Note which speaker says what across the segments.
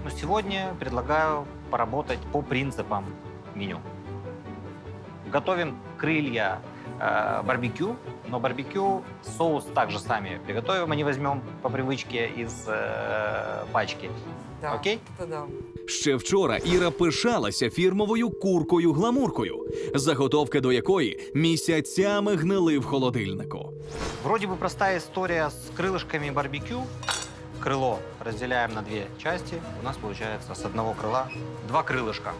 Speaker 1: Но сегодня предлагаю поработать по принципам меню. Готовим крылья барбекю, но барбекю соус также сами приготовим, а не возьмем по привычке из пачки.
Speaker 2: Да,
Speaker 1: Окей?
Speaker 2: это да.
Speaker 3: Ще вчора Іра пишалася фірмовою куркою-гламуркою, заготовки до якої місяцями гнили в холодильнику.
Speaker 1: Вроде бы простая история с крылышками барбекю. Крыло разделяем на две части. У нас получается с одного крыла два крылышка.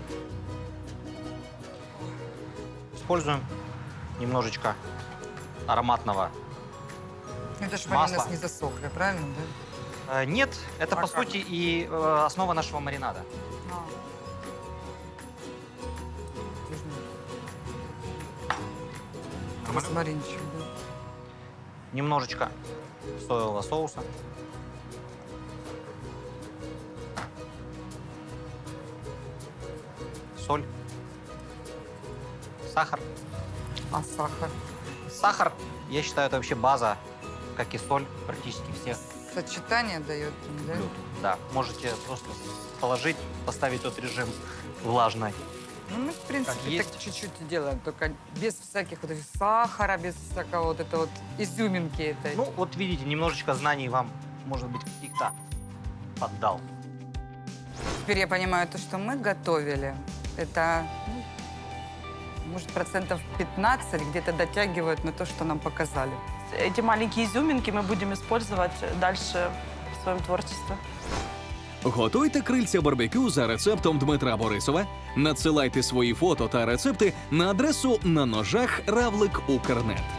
Speaker 1: Используем немножечко ароматного.
Speaker 2: Это же
Speaker 1: Масло.
Speaker 2: они у нас не засохли, правильно, да?
Speaker 1: Нет, это
Speaker 2: А
Speaker 1: по
Speaker 2: как?
Speaker 1: сути и основа нашего маринада.
Speaker 2: Розмаринчик, да.
Speaker 1: Немножечко соевого соуса. Соль. Сахар.
Speaker 2: А сахар?
Speaker 1: Сахар, я считаю, это вообще база, как и соль, практически всех
Speaker 2: Сочетание дает, да?
Speaker 1: блюд. Да, можете просто положить, поставить тот режим влажный.
Speaker 2: Ну, мы, в принципе,
Speaker 1: Как есть.
Speaker 2: так чуть-чуть и делаем, только без всяких вот этих сахара, без всякого вот это вот изюминки этой.
Speaker 1: Ну, вот видите, немножечко знаний вам, может быть, каких-то поддал.
Speaker 2: Теперь я понимаю, то, что мы готовили, это, ну, может, процентов 15 где-то дотягивают на то, что нам показали.
Speaker 4: Эти маленькие изюминки мы будем использовать дальше в своем творчестве.
Speaker 3: Готуйте крильця барбекю за рецептом Дмитра Борисова. Надсилайте свої фото та рецепти на адресу на ножах равлик Укрнет.